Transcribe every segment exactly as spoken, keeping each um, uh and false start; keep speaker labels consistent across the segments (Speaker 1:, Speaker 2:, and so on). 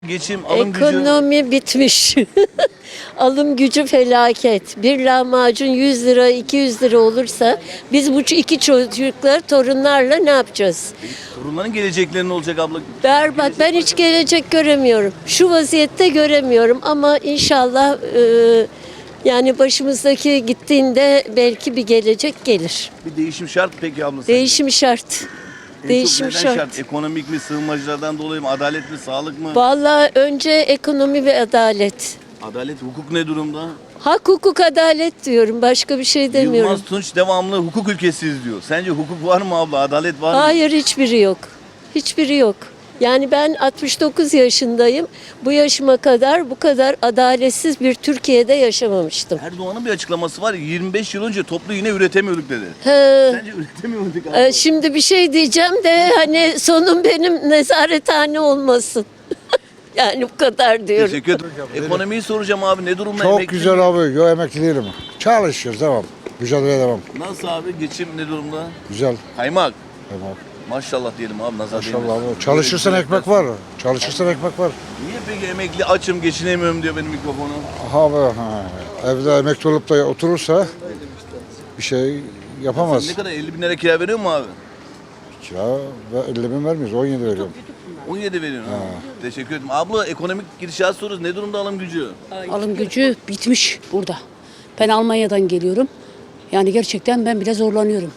Speaker 1: Geçim, alım gücü.
Speaker 2: Ekonomi bitmiş. Alım gücü felaket. Bir lahmacun yüz lira, iki yüz lira olursa biz bu iki çocuklar, torunlarla ne yapacağız?
Speaker 1: Torunların gelecekleri ne olacak abla?
Speaker 2: Berbat. Ben hiç gelecek göremiyorum. Şu vaziyette göremiyorum ama inşallah e, yani başımızdaki gittiğinde belki bir gelecek gelir.
Speaker 1: Bir değişim şart peki abla? sence?
Speaker 2: Değişim şart.
Speaker 1: En çok
Speaker 2: Değişim
Speaker 1: neden
Speaker 2: şart.
Speaker 1: Ekonomik mi, sığınmacılardan dolayı mı, adalet mi, sağlık mı?
Speaker 2: Vallahi önce ekonomi ve adalet.
Speaker 1: Adalet, hukuk ne durumda?
Speaker 2: Hak, hukuk, adalet diyorum. Başka bir şey demiyorum.
Speaker 1: Yılmaz Tunç devamlı hukuk ülkesiyiz diyor. Sence hukuk var mı abla, adalet var mı?
Speaker 2: Hayır, hiçbiri yok. Hiçbiri yok. Yani ben altmış dokuz yaşındayım. Bu yaşıma kadar bu kadar adaletsiz bir Türkiye'de yaşamamıştım.
Speaker 1: Erdoğan'ın bir açıklaması var. yirmi beş yıl önce toplu iğne üretemiyorduk dedi.
Speaker 2: He,
Speaker 1: Sence üretemiyor muyduk abla?
Speaker 2: e, şimdi bir şey diyeceğim de hani sonum benim nezarethane olmasın. Yani bu kadar diyorum.
Speaker 1: Teşekkür ederim. Ekonomiyi soracağım abi. Ne durumda?
Speaker 3: Çok
Speaker 1: Emekli
Speaker 3: güzel
Speaker 1: mi?
Speaker 3: abi. Yo emekli değilim. Çalışıyoruz devam. Mücadeleye devam.
Speaker 1: Nasıl abi? Geçim ne durumda?
Speaker 3: Güzel.
Speaker 1: Kaymak.
Speaker 3: Tamam.
Speaker 1: Maşallah diyelim abi. Nazar
Speaker 3: Maşallah
Speaker 1: değmesin.
Speaker 3: abi. Çalışırsan
Speaker 1: Böyle
Speaker 3: ekmek var. Çalışırsan ekmek var.
Speaker 1: Niye peki emekli açım geçinemiyorum diyor benim mikrofonu?
Speaker 3: Abi ha, evde emekli olup da oturursa bir şey yapamaz.
Speaker 1: Ne kadar elli bin lira kira veriyor mu abi?
Speaker 3: Kira ve elli bin vermiyoruz. on yedi veriyorum.
Speaker 1: on yedi veriyorsun. Ha. Teşekkür ederim. Abla ekonomik gidişat soruyoruz. Ne durumda alım gücü?
Speaker 4: Alım gücü bitmiş burada. Ben Almanya'dan geliyorum. Yani gerçekten ben bile zorlanıyorum.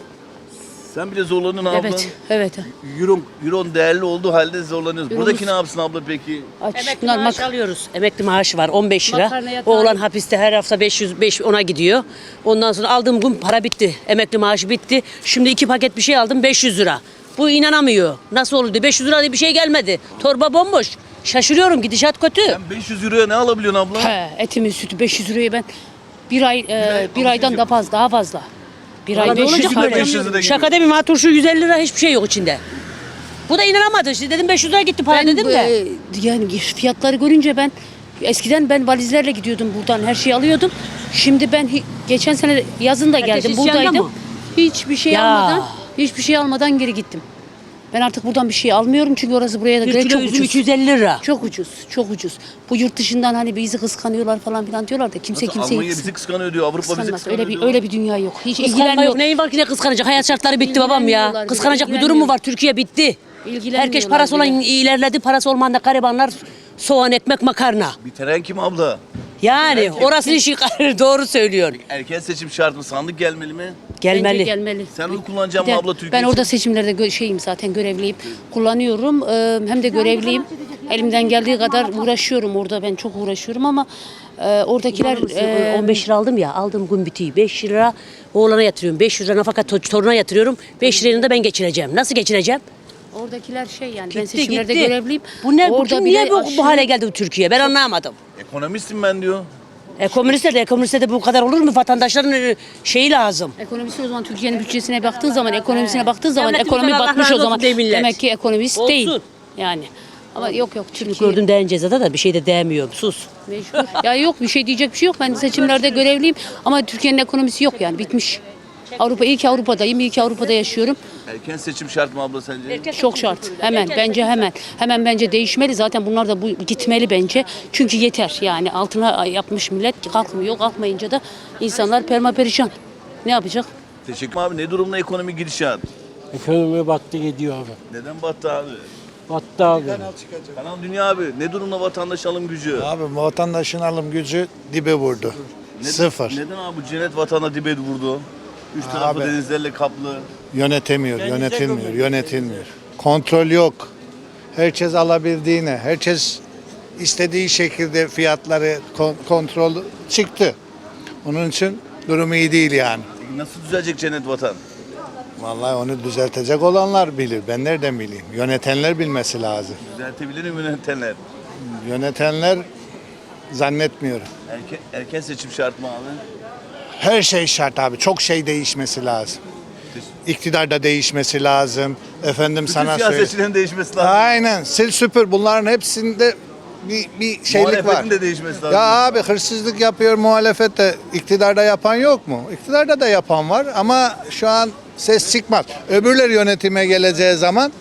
Speaker 1: Sen bile zorlanın abla.
Speaker 4: Evet, evet.
Speaker 1: Euro, Euro değerli olduğu halde zorlanıyoruz.
Speaker 4: Euromuz-
Speaker 1: Buradaki ne yapsın abla peki?
Speaker 4: Aç.
Speaker 5: Emekli
Speaker 4: Bunlar
Speaker 5: maaş
Speaker 4: mak-
Speaker 5: alıyoruz. Emekli maaşı var on beş lira.
Speaker 4: Makarnaya tayin-
Speaker 5: Oğlan hapiste her hafta beş yüz beş ona gidiyor. Ondan sonra aldığım gün para bitti. Emekli maaşı bitti. Şimdi iki paket bir şey aldım beş yüz lira. Bu inanamıyor. Nasıl oldu? beş yüz lira diye bir şey gelmedi. Torba bomboş. Şaşırıyorum, gidişat kötü.
Speaker 1: Sen beş yüz euroya ne alabiliyorsun abla?
Speaker 4: He, etimin sütü beş yüz liraya ben bir ay e,
Speaker 1: ay
Speaker 4: bir aydan
Speaker 1: alışveriş
Speaker 4: da fazla daha fazla. Bir ay
Speaker 5: Vallahi
Speaker 4: beş yüz
Speaker 5: olacak
Speaker 1: lira,
Speaker 5: böyle.
Speaker 1: beş yüz lira gidiyor.
Speaker 5: Şaka değil mi? Maturşu yüz elli lira hiçbir şey yok içinde. Bu da inanamadı. İşte dedim beş yüz lira gitti para
Speaker 4: Ben
Speaker 5: dedim
Speaker 4: bu,
Speaker 5: de.
Speaker 4: e, yani fiyatları görünce ben eskiden ben valizlerle gidiyordum buradan her şeyi alıyordum. Şimdi ben hi- geçen sene yazın da
Speaker 5: Herkes
Speaker 4: geldim
Speaker 5: isyanda
Speaker 4: buradaydım.
Speaker 5: mı?
Speaker 4: Hiçbir şey
Speaker 5: Ya.
Speaker 4: almadan hiçbir şey almadan geri gittim. Ben artık buradan bir şey almıyorum çünkü orası buraya da
Speaker 5: Bir
Speaker 4: göre
Speaker 5: kilo
Speaker 4: çok
Speaker 5: üzüm
Speaker 4: ucuz.
Speaker 5: iki yüz elli lira.
Speaker 4: Çok ucuz, çok ucuz. Bu yurt dışından hani bizi kıskanıyorlar falan filan diyorlar da kimse
Speaker 1: Nasıl
Speaker 4: kimseyi
Speaker 1: Almanya bizi kıskanıyor diyor. Avrupa bizi
Speaker 4: kıskanmaz.
Speaker 1: kıskanıyor
Speaker 4: Öyle bir
Speaker 1: diyor.
Speaker 4: öyle bir dünya yok. Hiç
Speaker 5: Kıskanma
Speaker 4: ilgilenmiyor.
Speaker 5: yok. Neyin var ki ne kıskanacak? Hayat şartları bitti babam ya.
Speaker 4: İlgilenmiyorlar,
Speaker 5: Kıskanacak bir durum mu
Speaker 4: ilgilenmiyor.
Speaker 5: var? Türkiye bitti.
Speaker 4: İlgilenmiyorlar
Speaker 5: Herkes parası olan
Speaker 4: bile.
Speaker 5: ilerledi. Parası olmayan da garibanlar soğan, ekmek, makarna.
Speaker 1: Bitiren kim abla?
Speaker 5: Yani orası işi doğru söylüyorsun.
Speaker 1: Erken seçim şart mı? Sandık gelmeli mi?
Speaker 4: Bence
Speaker 5: Gelmeli.
Speaker 4: gelmeli.
Speaker 1: Sen oy kullanacaksın
Speaker 4: Bir
Speaker 1: mı
Speaker 4: de
Speaker 1: abla Türkiye
Speaker 4: Ben
Speaker 1: için?
Speaker 4: orada seçimlerde gö- şeyim zaten görevliyim. Kullanıyorum. Ee, hem de görevliyim. Elimden geldiği kadar uğraşıyorum orada. Ben çok uğraşıyorum ama e, oradakiler e,
Speaker 5: on beş lira aldım ya. Aldığım gün bitiyor. beş lira oğlana yatırıyorum. beş lira nafaka to- toruna yatırıyorum. beş lirayla da ben geçireceğim. Nasıl geçireceğim?
Speaker 4: oradakiler şey yani ben
Speaker 5: Gitti
Speaker 4: seçimlerde
Speaker 5: gitti.
Speaker 4: görevliyim.
Speaker 5: Bu ne? Bu
Speaker 4: Orada
Speaker 5: kim-
Speaker 4: bir
Speaker 5: niye
Speaker 4: de
Speaker 5: bu,
Speaker 4: aşırı-
Speaker 5: bu hale geldi bu Türkiye? Ben anlamadım.
Speaker 1: Ekonomistim ben diyor.
Speaker 5: Ekonomistler de ekonomistler de bu kadar olur mu? Vatandaşların e, şeyi lazım.
Speaker 4: Ekonomisi o zaman Türkiye'nin bütçesine baktığı zaman, ekonomisine baktığı zaman
Speaker 5: Devletimiz
Speaker 4: ekonomi
Speaker 5: Allah
Speaker 4: batmış
Speaker 5: razı
Speaker 4: o zaman.
Speaker 5: olsun de millet.
Speaker 4: Demek ki ekonomist
Speaker 5: Olsun.
Speaker 4: değil. Yani. Ama yok yok Türkiye.
Speaker 5: Gördün değen cezada da bir şey de değmiyorum. Sus.
Speaker 4: Mecbur. Ya yok bir şey diyecek bir şey yok. Ben seçimlerde görevliyim ama Türkiye'nin ekonomisi yok yani bitmiş. Avrupa iyi ki Avrupa'dayım, iyi ki Avrupa'da yaşıyorum.
Speaker 1: Erken seçim şart mı abla sence?
Speaker 4: Çok şart. Hemen bence hemen. Hemen bence değişmeli. Zaten bunlar da bu gitmeli bence. Çünkü yeter. Yani altına yapmış millet kalkmıyor. Kalkmayınca da insanlar permaperişan. Ne yapacak?
Speaker 1: Teşekkür abi. Ne durumda ekonomi gidişat?
Speaker 6: Ekonomi battı gidiyor abi.
Speaker 1: Neden battı abi?
Speaker 6: Battı abi.
Speaker 1: Kanal Dünya abi. Ne durumda vatandaş alım gücü?
Speaker 7: Abi vatandaşın alım gücü dibe vurdu.
Speaker 1: Neden-
Speaker 7: Sıfır.
Speaker 1: Neden abi bu cennet vatana dibe vurdu? Üç tarafı
Speaker 7: Abi.
Speaker 1: denizlerle kaplı.
Speaker 7: Yönetemiyor, yönetilmiyor, yönetilmiyor. Kontrol yok. Herkes alabildiğine, herkes istediği şekilde fiyatları kon- kontrol çıktı. Onun için durum iyi değil yani.
Speaker 1: Nasıl düzelecek cennet vatan?
Speaker 7: Vallahi onu düzeltecek olanlar bilir. Ben nereden bileyim? Yönetenler bilmesi lazım.
Speaker 1: Düzeltebilir mi yönetenler?
Speaker 7: Yönetenler zannetmiyorum.
Speaker 1: Erken, erken seçim şart mı abi?
Speaker 7: Her şey şart abi. Çok şey değişmesi lazım. İktidar da değişmesi lazım. Efendim
Speaker 1: Bütün
Speaker 7: sana söyleyeyim.
Speaker 1: siyasetçilerin değişmesi lazım.
Speaker 7: Aynen. Sil süpür bunların hepsinde bir, bir şeylik var.
Speaker 1: Muhalefetin de değişmesi lazım.
Speaker 7: Ya abi hırsızlık yapıyor muhalefet de iktidarda yapan yok mu? İktidarda da yapan var ama şu an ses çıkmaz. Öbürler yönetime geleceği zaman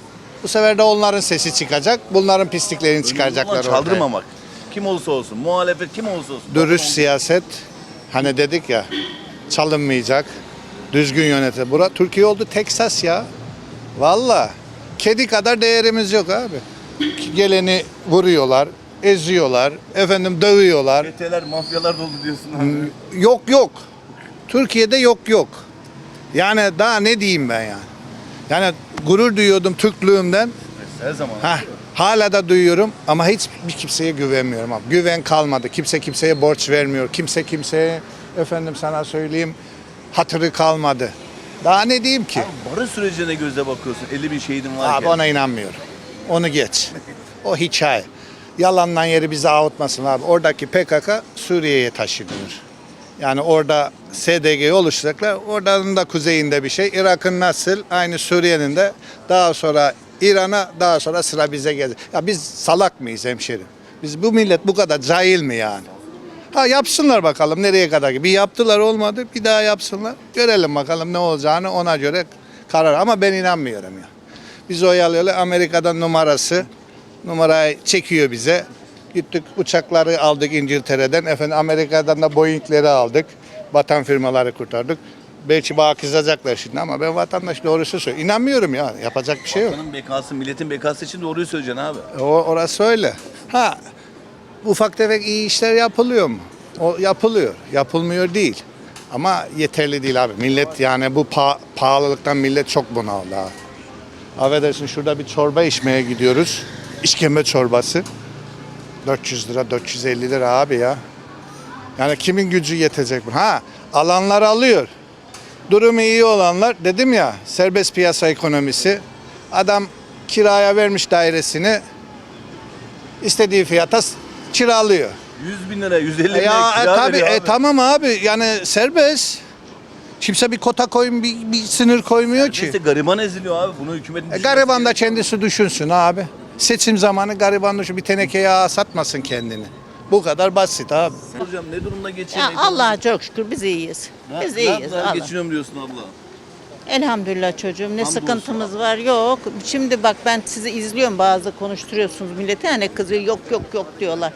Speaker 7: Bu sefer de onların sesi çıkacak. Bunların pisliklerini
Speaker 1: Önemli
Speaker 7: çıkaracaklar
Speaker 1: olan
Speaker 7: ortaya.
Speaker 1: çaldırmamak. Kim olursa olsun, muhalefet kim olursa olsun.
Speaker 7: Dürüst siyaset, hani dedik ya, çalınmayacak, düzgün yönetim. Bura Türkiye oldu Teksas ya. Valla kedi kadar değerimiz yok abi. Geleni vuruyorlar, eziyorlar, efendim dövüyorlar.
Speaker 1: Çeteler, mafyalar dolu diyorsun abi.
Speaker 7: Yok yok. Türkiye'de yok yok. Yani daha ne diyeyim ben yani. Yani gurur duyuyordum Türklüğümden.
Speaker 1: Her zaman.
Speaker 7: Heh, hala da duyuyorum ama hiç bir kimseye güvenmiyorum abi. Güven kalmadı. Kimse kimseye borç vermiyor. Kimse kimseye efendim sana söyleyeyim hatırı kalmadı. Daha ne diyeyim ki?
Speaker 1: Abi barış sürecine gözle bakıyorsun. elli bin şehidin varken.
Speaker 7: Abi ona inanmıyorum. Onu geç. O hikaye. Yalandan yeri bizi avutmasın abi. Oradaki P K K Suriye'ye taşınıyor. Yani orada S D G'yi oluşturacaklar. Oradan da kuzeyinde bir şey. Irak'ın nasıl? Aynı Suriye'nin de daha sonra İran'a, daha sonra sıra bize gelecek. Ya biz salak mıyız hemşerim? Biz bu millet bu kadar cahil mi yani? Ha yapsınlar bakalım nereye kadar. Bir yaptılar olmadı, bir daha yapsınlar. Görelim bakalım ne olacağını, ona göre karar. Ama ben inanmıyorum ya. Biz oyalıyorlar. Amerika'dan numarası. Numarayı çekiyor bize. Gittik uçakları aldık İngiltere'den. Efendim Amerika'dan da Boeing'leri aldık. Vatan firmaları kurtardık. Belki bana kızacaklar şimdi ama ben vatandaş doğrusu söylüyorum. İnanmıyorum ya. Yapacak bir şey yok.
Speaker 1: Vatanın bekası, milletin bekası için doğruyu söyleyeceksin abi.
Speaker 7: O, orası öyle. Ha ufak tefek iyi işler yapılıyor mu? O yapılıyor. Yapılmıyor değil. Ama yeterli değil abi. Millet yani bu pa- pahalılıktan millet çok bunaldı abi. Affedersin şurada bir çorba içmeye gidiyoruz. İşkembe çorbası. dört yüz lira, dört yüz elli lira abi ya. Yani kimin gücü yetecek bu? Ha alanlar alıyor. Durumu iyi olanlar dedim ya serbest piyasa ekonomisi. Adam kiraya vermiş dairesini istediği fiyata s- kiralıyor.
Speaker 1: yüz bin lira, yüz elli bin
Speaker 7: E
Speaker 1: lira
Speaker 7: ya e,
Speaker 1: kira
Speaker 7: tabii
Speaker 1: veriyor
Speaker 7: e,
Speaker 1: abi.
Speaker 7: tamam abi yani serbest. Kimse bir kota koyun bir, bir sınır koymuyor ki.
Speaker 1: İşte gariban eziliyor abi. Bunu hükümetin
Speaker 7: E,
Speaker 1: düşünmesi
Speaker 7: gariban da
Speaker 1: gerekiyor.
Speaker 7: kendisi düşünsün abi. Seçim zamanı gariban düşün bir teneke yağ satmasın kendini. Bu kadar basit abi.
Speaker 1: Hocam ne durumda geçiyor?
Speaker 8: Ya
Speaker 1: ekonomi?
Speaker 8: Allah'a çok şükür biz iyiyiz.
Speaker 1: Ne-
Speaker 8: Biz
Speaker 1: ne
Speaker 8: iyiyiz.
Speaker 1: yaptılar,
Speaker 8: Allah.
Speaker 1: geçiniyorum diyorsun abla.
Speaker 8: Elhamdülillah çocuğum. Ne
Speaker 1: Hamdolsun
Speaker 8: sıkıntımız var yok. Şimdi bak ben sizi izliyorum bazı konuşturuyorsunuz millete hani kızıyor yok yok yok diyorlar.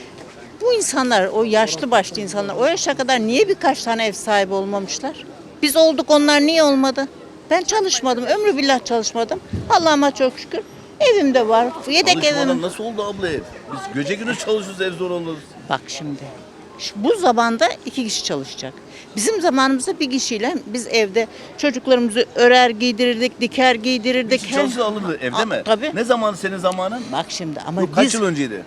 Speaker 8: Bu insanlar o yaşlı başlı insanlar o yaşa kadar niye birkaç tane ev sahibi olmamışlar? Biz olduk onlar niye olmadı? Ben çalışmadım. Ömrü billah çalışmadım. Allah'ıma çok şükür. Evim de var. Yedek
Speaker 1: Çalışmadan
Speaker 8: evim.
Speaker 1: nasıl oldu abla ev? Biz gece gündüz çalışıyoruz ev zor olur.
Speaker 8: Bak şimdi. şu- Bu zamanda iki kişi çalışacak. Bizim zamanımızda bir kişiyle biz evde çocuklarımızı örer giydirirdik, diker giydirirdik.
Speaker 1: Kişi çalışsa alırdı evde
Speaker 8: Aa,
Speaker 1: mi?
Speaker 8: tabii.
Speaker 1: Ne zaman senin zamanın?
Speaker 8: Bak şimdi ama
Speaker 1: Bu kaç
Speaker 8: biz
Speaker 1: yıl önceydi?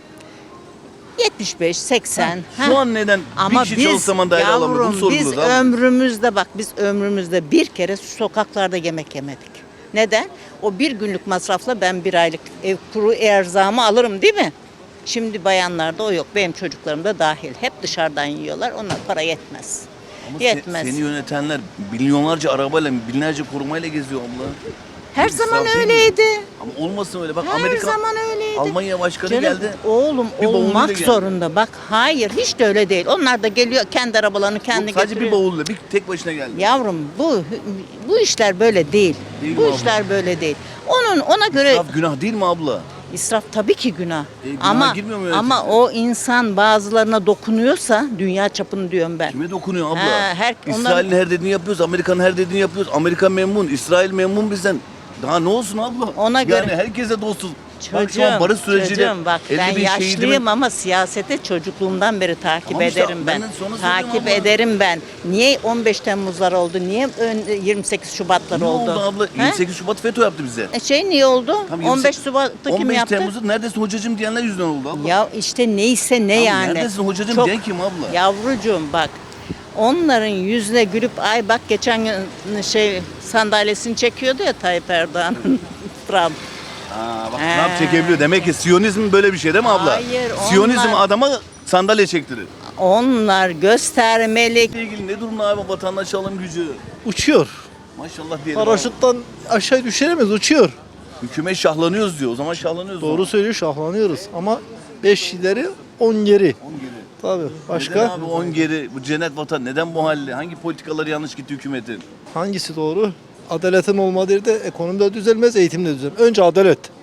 Speaker 8: yetmiş beş seksen.
Speaker 1: Şu
Speaker 8: ha.
Speaker 1: an neden
Speaker 8: Ama
Speaker 1: bir kişi
Speaker 8: biz
Speaker 1: çalışsa zaman daire alamıyor? Bunu
Speaker 8: yavrum biz
Speaker 1: sorguluyoruz abi.
Speaker 8: ömrümüzde bak biz ömrümüzde bir kere sokaklarda yemek yemedik. Neden? O bir günlük masrafla ben bir aylık ev kuru erzamı alırım değil mi? Şimdi bayanlarda o yok. Benim çocuklarım da dahil. Hep dışarıdan yiyorlar. Onlar para yetmez.
Speaker 1: Ama se-
Speaker 8: Yetmez.
Speaker 1: seni yönetenler milyonlarca arabayla, binlerce korumayla geziyor abla.
Speaker 8: Her
Speaker 1: İsraf
Speaker 8: zaman
Speaker 1: değil mi?
Speaker 8: öyleydi.
Speaker 1: Ama olmasın öyle. Bak
Speaker 8: Her
Speaker 1: Amerika,
Speaker 8: zaman öyleydi.
Speaker 1: Almanya başkanı
Speaker 8: Canım,
Speaker 1: geldi.
Speaker 8: Oğlum
Speaker 1: Bir bavulluyla
Speaker 8: olmak
Speaker 1: geldi.
Speaker 8: zorunda. Bak hayır hiç de öyle değil. Onlar da geliyor kendi arabalarını kendi
Speaker 1: Yok, sadece
Speaker 8: getiriyor.
Speaker 1: bir bavulla, bir tek başına geldi.
Speaker 8: Yavrum bu bu işler böyle değil.
Speaker 1: Değil
Speaker 8: bu
Speaker 1: mi abla?
Speaker 8: işler böyle değil. Onun ona göre
Speaker 1: İsraf günah değil mi abla?
Speaker 8: israf tabii ki günah.
Speaker 1: E, günaha
Speaker 8: ama
Speaker 1: girmiyor mu
Speaker 8: ama
Speaker 1: yöneticiler?
Speaker 8: o insan bazılarına dokunuyorsa dünya çapını diyorum ben.
Speaker 1: Kime dokunuyor abla?
Speaker 8: Ha, her-
Speaker 1: İsrail'in
Speaker 8: onların-
Speaker 1: her dediğini yapıyoruz, Amerika'nın her dediğini yapıyoruz. Amerika memnun, İsrail memnun bizden. Daha ne olsun abla?
Speaker 8: Ona
Speaker 1: yani
Speaker 8: göre-
Speaker 1: herkese dostuz. Bak
Speaker 8: Çocuğum,
Speaker 1: şu an barış süreciyle
Speaker 8: çocuğum bak ben
Speaker 1: elli bin
Speaker 8: yaşlıyım
Speaker 1: şehidimin-
Speaker 8: ama siyasete çocukluğumdan beri takip
Speaker 1: Tamam işte,
Speaker 8: ederim ben.
Speaker 1: ben de sonra söylüyorum
Speaker 8: Takip
Speaker 1: abla.
Speaker 8: ederim ben. Niye on beş Temmuzlar oldu? Niye ön- yirmi sekiz Şubatlar
Speaker 1: Ne
Speaker 8: oldu?
Speaker 1: oldu abla?
Speaker 8: He?
Speaker 1: yirmi sekiz Şubat FETÖ yaptı bize.
Speaker 8: E şey niye oldu?
Speaker 1: Tam yirmi
Speaker 8: on beş
Speaker 1: sekiz
Speaker 8: Şubat'ta kim
Speaker 1: on beş
Speaker 8: yaptı?
Speaker 1: Temmuz'da neredesin hocacığım diyenler yüzünden oldu abla.
Speaker 8: Ya işte neyse ne
Speaker 1: Abi
Speaker 8: yani.
Speaker 1: neredesin hocacığım diyen kim abla?
Speaker 8: Yavrucuğum bak. Onların yüzüne gülüp ay bak geçen gün şey sandalyesini çekiyordu ya Tayyip Erdoğan'ın Trump.
Speaker 1: Aa, bak
Speaker 8: He.
Speaker 1: Trump çekebiliyor. Demek ki Siyonizm böyle bir şey değil mi abla?
Speaker 8: Hayır,
Speaker 1: Siyonizm
Speaker 8: onlar-
Speaker 1: adama sandalye çektirir.
Speaker 8: Onlar göstermelik.
Speaker 1: ile ilgili ne durumda abi vatandaş alım gücü?
Speaker 9: Uçuyor.
Speaker 1: Maşallah diyelim. abi.
Speaker 9: Paraşütten aşağı düşüremez, uçuyor.
Speaker 1: Hükümet şahlanıyoruz diyor. O zaman şahlanıyoruz.
Speaker 9: Doğru söylüyor, şahlanıyoruz. Ama beş ileri on geri.
Speaker 1: on geri.
Speaker 9: Tabii.
Speaker 1: Neden
Speaker 9: Başka
Speaker 1: abi on geri? Bu cennet vatan neden bu halde? Hangi politikaları yanlış gitti hükümetin?
Speaker 9: hangisi doğru? Adaletin olmadığı yerde ekonomi de düzelmez, eğitim de düzelmez. Önce adalet.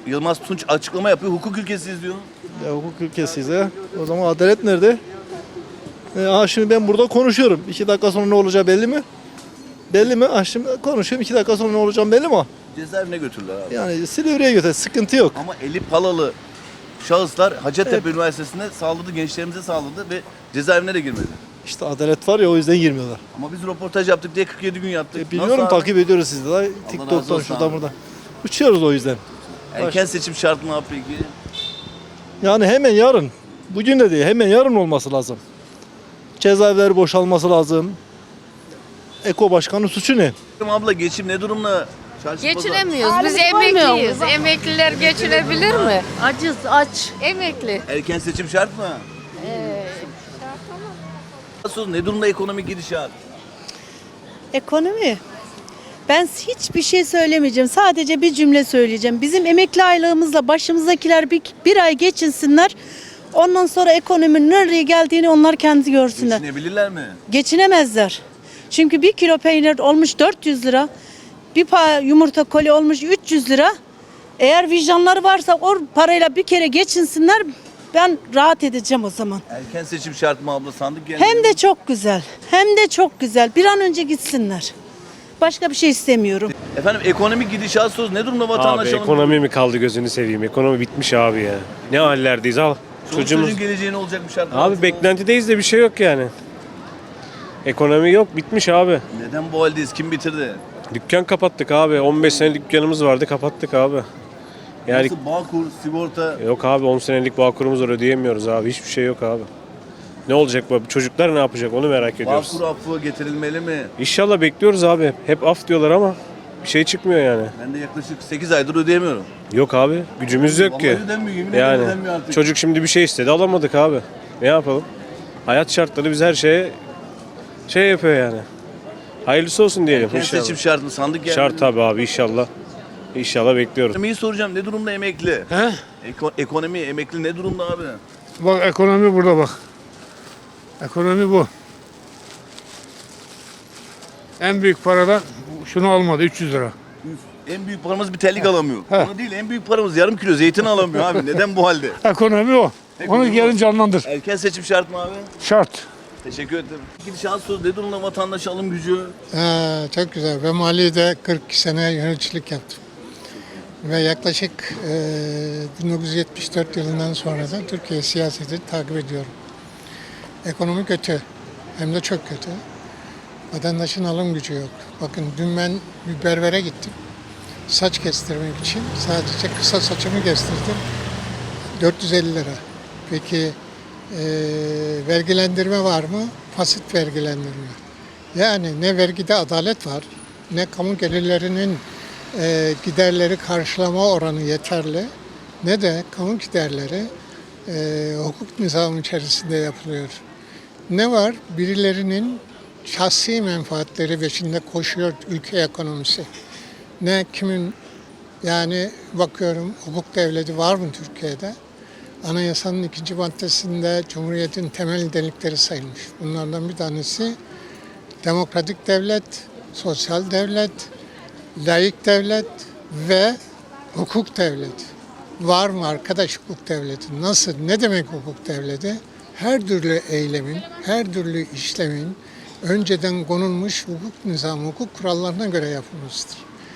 Speaker 1: Yılmaz Tunç açıklama yapıyor. Hukuk ülkesiyiz diyor.
Speaker 9: Ya hukuk ülkesiyiz ya. O zaman adalet nerede? E, aha şimdi ben burada konuşuyorum. İki dakika sonra ne olacağı belli mi? Belli mi? Ah şimdi konuşuyorum. İki dakika sonra ne olacağım belli mi?
Speaker 1: Cezaevine götürdüler abi.
Speaker 9: Yani Silivri'ye götür. Sıkıntı yok.
Speaker 1: Ama eli palalı şahıslar Hacettepe Üniversitesi'nde saldırdı, gençlerimize saldırdı ve cezaevine de girmedi.
Speaker 9: İşte adalet var ya o yüzden girmiyorlar.
Speaker 1: Ama biz röportaj yaptık diye kırk yedi gün yattık.
Speaker 9: E, biliyorum
Speaker 1: Nasıl abi?
Speaker 9: takip ediyoruz sizi de.
Speaker 1: razı
Speaker 9: TikTok'tan
Speaker 1: olsun
Speaker 9: şuradan
Speaker 1: abi.
Speaker 9: buradan. Uçuyoruz o yüzden.
Speaker 1: Erken seçim şart mı abi peki?
Speaker 9: Yani hemen yarın. Bugün de değil. Hemen yarın olması lazım. Cezaevleri boşalması lazım. Eko Başkanı suçu ne?
Speaker 1: Abla geçim ne durumda? Çarşı pazar.
Speaker 10: Geçinemiyoruz. Biz emekliyiz. Emekliler geçinebilir mi?
Speaker 2: Acız aç.
Speaker 10: Emekli.
Speaker 1: Erken seçim şart mı? Nasıl, ne durumda ekonomik gidişat?
Speaker 11: Ekonomi. Ben hiçbir şey söylemeyeceğim. Sadece bir cümle söyleyeceğim. Bizim emekli aylığımızla başımızdakiler bir, bir ay geçinsinler. Ondan sonra ekonominin nereye geldiğini onlar kendi görsünler.
Speaker 1: Geçinebilirler mi?
Speaker 11: Geçinemezler. Çünkü bir kilo peynir olmuş dört yüz lira. Bir pa yumurta koli olmuş üç yüz lira. Eğer vicdanları varsa o parayla bir kere geçinsinler. Ben rahat edeceğim o zaman.
Speaker 1: Erken seçim şart mı abla? Sandık geldi.
Speaker 11: Hem de çok güzel. Hem de çok güzel. Bir an önce gitsinler. Başka bir şey istemiyorum.
Speaker 1: Efendim ekonomik gidişat söz ne durumda vatandaş?
Speaker 6: Abi ekonomi mi kaldı gözünü seveyim? Ekonomi bitmiş abi ya. Ne hallerdeyiz al.
Speaker 1: Çoluk
Speaker 6: Çocuğumuz.
Speaker 1: çocuğun geleceği ne olacakmış artık?
Speaker 6: Abi beklentideyiz de bir şey yok yani. Ekonomi yok, bitmiş abi.
Speaker 1: Neden bu haldeyiz? Kim bitirdi?
Speaker 6: Dükkan kapattık abi. on beş senelik dükkanımız vardı, kapattık abi. Yani
Speaker 1: Nasıl Bağkur, sigorta?
Speaker 6: yok abi, on senelik bağkurumuz var, ödeyemiyoruz abi. Hiçbir şey yok abi. Ne olacak bu? Çocuklar ne yapacak onu merak ediyoruz.
Speaker 1: Bağkur affı getirilmeli mi?
Speaker 6: İnşallah bekliyoruz abi. Hep af diyorlar ama bir şey çıkmıyor yani.
Speaker 1: Ben de yaklaşık sekiz aydır ödeyemiyorum.
Speaker 6: Yok abi, gücümüz yok ki.
Speaker 1: Vallahi ödemiyor, yemin ederim
Speaker 6: Yani
Speaker 1: ödemiyor artık.
Speaker 6: çocuk şimdi bir şey istedi, alamadık abi. Ne yapalım? Hayat şartları biz her şeye şey yapıyor yani. Hayırlısı olsun diyelim
Speaker 1: Erken
Speaker 6: inşallah.
Speaker 1: seçim şart mı? Sandık geldi
Speaker 6: Şart
Speaker 1: mi?
Speaker 6: tabii abi, inşallah. İnşallah bekliyoruz.
Speaker 1: Ekonomiyi soracağım. Ne durumda emekli?
Speaker 3: He?
Speaker 1: Eko- ekonomi, emekli ne durumda abi?
Speaker 3: Bak ekonomi burada bak. Ekonomi bu. En büyük paradan şunu almadı üç yüz lira.
Speaker 1: En büyük paramız bir terlik alamıyor.
Speaker 3: He.
Speaker 1: Onu değil, en büyük paramız yarım kilo zeytin alamıyor abi. Neden bu halde?
Speaker 3: Ekonomi o.
Speaker 1: Ekonomi
Speaker 3: Onu gelin
Speaker 1: o.
Speaker 3: canlandır.
Speaker 1: Erken seçim şart mı abi?
Speaker 3: Şart.
Speaker 1: Teşekkür ederim. Gidişat söz ne durumda vatandaş alım gücü?
Speaker 12: Ee, çok güzel. Ben Mali'de kırk iki sene yöneticilik yaptım. Ve yaklaşık e, bin dokuz yüz yetmiş dört yılından sonra da Türkiye siyasetini takip ediyorum. Ekonomi kötü. Hem de çok kötü. Vatandaşın alım gücü yok. Bakın dün ben bir berbere gittim. Saç kestirmek için sadece kısa saçımı kestirdim. dört yüz elli lira. Peki e, vergilendirme var mı? Fasit vergilendirme. Yani ne vergide adalet var, ne kamu gelirlerinin e, giderleri karşılama oranı yeterli, ne de kamu giderleri e, hukuk nizamı içerisinde yapılıyor. Ne var? Birilerinin şahsi menfaatleri peşinde koşuyor ülke ekonomisi. Ne kimin, yani bakıyorum hukuk devleti var mı Türkiye'de? Anayasanın ikinci maddesinde Cumhuriyet'in temel nitelikleri sayılmış. Bunlardan bir tanesi demokratik devlet, sosyal devlet, laik devlet ve hukuk devleti. Var mı arkadaş hukuk devleti? Nasıl? Ne demek hukuk devleti? Her türlü eylemin, her türlü işlemin önceden konulmuş hukuk nizamı, hukuk kurallarına göre yapılmıştır.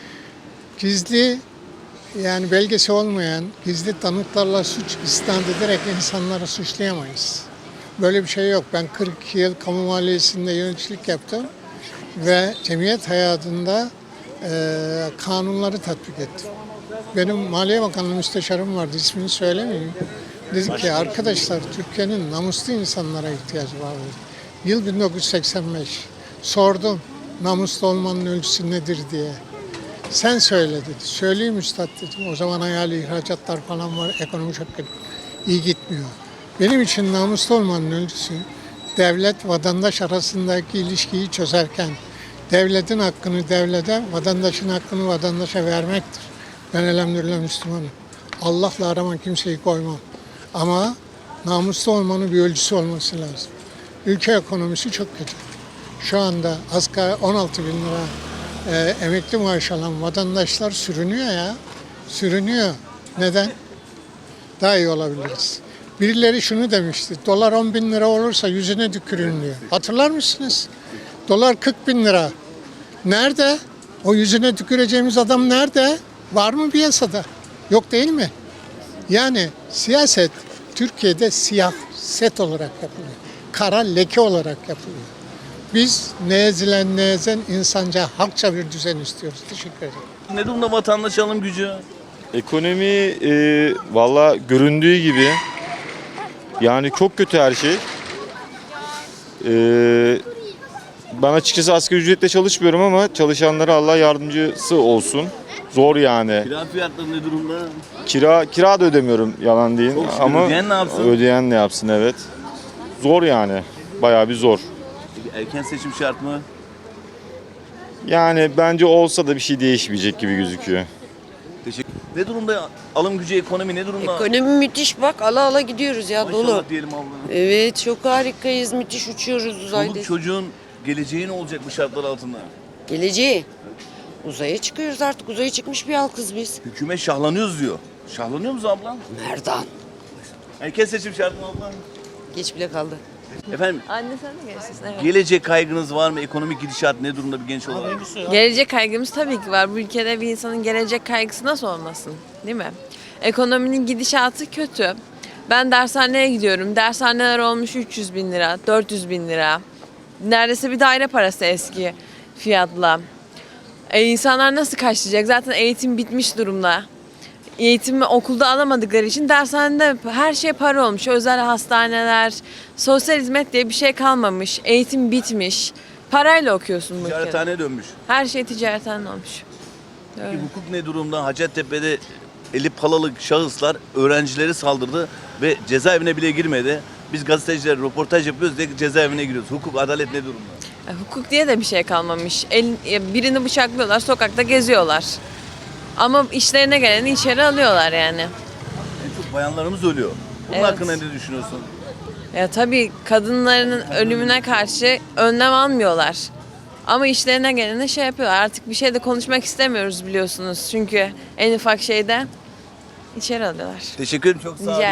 Speaker 12: Gizli, yani belgesi olmayan gizli tanıklarla suç isnat ederek insanları suçlayamayız. Böyle bir şey yok. Ben kırk iki yıl kamu maliyesinde yöneticilik yaptım ve cemiyet hayatında e, kanunları tatbik ettim. Benim Maliye Bakanlığı müsteşarım vardı, ismini söylemeyeyim. Dedi ki arkadaşlar Türkiye'nin namuslu insanlara ihtiyacı var dedi. Yıl bin dokuz yüz seksen beş. Sordum namuslu olmanın ölçüsü nedir diye. Sen söyle dedi. Söyleyeyim üstad dedim. O zaman hayali ihracatlar falan var. Ekonomi çok iyi gitmiyor. Benim için namuslu olmanın ölçüsü devlet vatandaş arasındaki ilişkiyi çözerken devletin hakkını devlete, vatandaşın hakkını vatandaşa vermektir. Ben elhamdülillah Müslümanım. Allah'la arama kimseyi koymam. Ama namuslu olmanın bir ölçüsü olması lazım. Ülke ekonomisi çok kötü. Şu anda asgari on altı bin lira e, emekli maaş alan vatandaşlar sürünüyor ya. Sürünüyor. Neden? Daha iyi olabiliriz. Birileri şunu demişti. Dolar on bin lira olursa yüzüne tükürün diyor. Hatırlar mısınız? Dolar kırk bin lira. Nerede? O yüzüne tüküreceğimiz adam nerede? Var mı piyasada? Yok değil mi? Yani siyaset Türkiye'de siyaset olarak yapılıyor. Kara leke olarak yapılıyor. Biz ne ezilen ne ezen insanca, halkça bir düzen istiyoruz. Teşekkür ederim.
Speaker 1: Ne durumda vatandaş alım gücü?
Speaker 13: Ekonomi e, valla göründüğü gibi yani çok kötü her şey. E, ben açıkçası asgari ücretle çalışmıyorum ama çalışanlara Allah yardımcısı olsun. Zor yani.
Speaker 1: Kira fiyatları ne durumda?
Speaker 13: Kira kira da ödemiyorum yalan değil
Speaker 1: Çok şükür.
Speaker 13: ama
Speaker 1: Ödeyen ne yapsın?
Speaker 13: ödeyen ne yapsın evet. Zor yani. Bayağı bir zor.
Speaker 1: Peki erken seçim şart mı?
Speaker 13: Yani bence olsa da bir şey değişmeyecek gibi gözüküyor.
Speaker 1: Teşekkür. Ne durumda alım gücü, ekonomi ne durumda?
Speaker 14: Ekonomi müthiş bak ala ala gidiyoruz ya
Speaker 1: Maşallah
Speaker 14: dolu.
Speaker 1: diyelim abla.
Speaker 14: Evet çok harikayız müthiş uçuyoruz uzayda.
Speaker 1: Çoluk çocuğun geleceği ne olacak bu şartlar altında?
Speaker 14: Geleceği. Uzaya çıkıyoruz artık uzaya çıkmış bir halkız biz.
Speaker 1: Hükümet şahlanıyoruz diyor. Şahlanıyor musun abla?
Speaker 14: Nereden?
Speaker 1: Erken seçim şart mı abla?
Speaker 14: Geç bile kaldı.
Speaker 1: Efendim
Speaker 10: Anne sen de gençsin. Evet.
Speaker 1: gelecek kaygınız var mı? Ekonomik gidişat ne durumda bir genç olarak?
Speaker 10: Gelecek kaygımız tabii ki var. Bu ülkede bir insanın gelecek kaygısı nasıl olmasın? Değil mi? Ekonominin gidişatı kötü. Ben dershaneye gidiyorum. Dershaneler olmuş üç yüz bin lira, dört yüz bin lira. Neredeyse bir daire parası eski fiyatla. E, insanlar nasıl karşılayacak? Zaten eğitim bitmiş durumda. Eğitimi okulda alamadıkları için dershanede her şey para olmuş. Özel hastaneler, sosyal hizmet diye bir şey kalmamış. Eğitim bitmiş. Parayla okuyorsun bu ülkede.
Speaker 1: Ticarethane dönmüş.
Speaker 10: Her şey ticaretten olmuş.
Speaker 1: Peki hukuk ne durumda? Hacettepe'de eli palalı şahıslar öğrencileri saldırdı ve cezaevine bile girmedi. Biz gazeteciler röportaj yapıyoruz diye cezaevine giriyoruz. Hukuk, adalet ne durumda?
Speaker 10: E, hukuk diye de bir şey kalmamış. El, e, birini bıçaklıyorlar, sokakta geziyorlar. Ama işlerine geleni içeri alıyorlar yani.
Speaker 1: En çok bayanlarımız ölüyor. Bunun
Speaker 10: Evet.
Speaker 1: hakkında ne düşünüyorsun?
Speaker 10: Ya tabii kadınların ölümüne karşı önlem almıyorlar. Ama işlerine geleni şey yapıyorlar. Artık bir şey de konuşmak istemiyoruz biliyorsunuz. Çünkü en ufak şeyde içeri alıyorlar.
Speaker 1: Teşekkür ederim. Çok sağ olun.
Speaker 10: Rica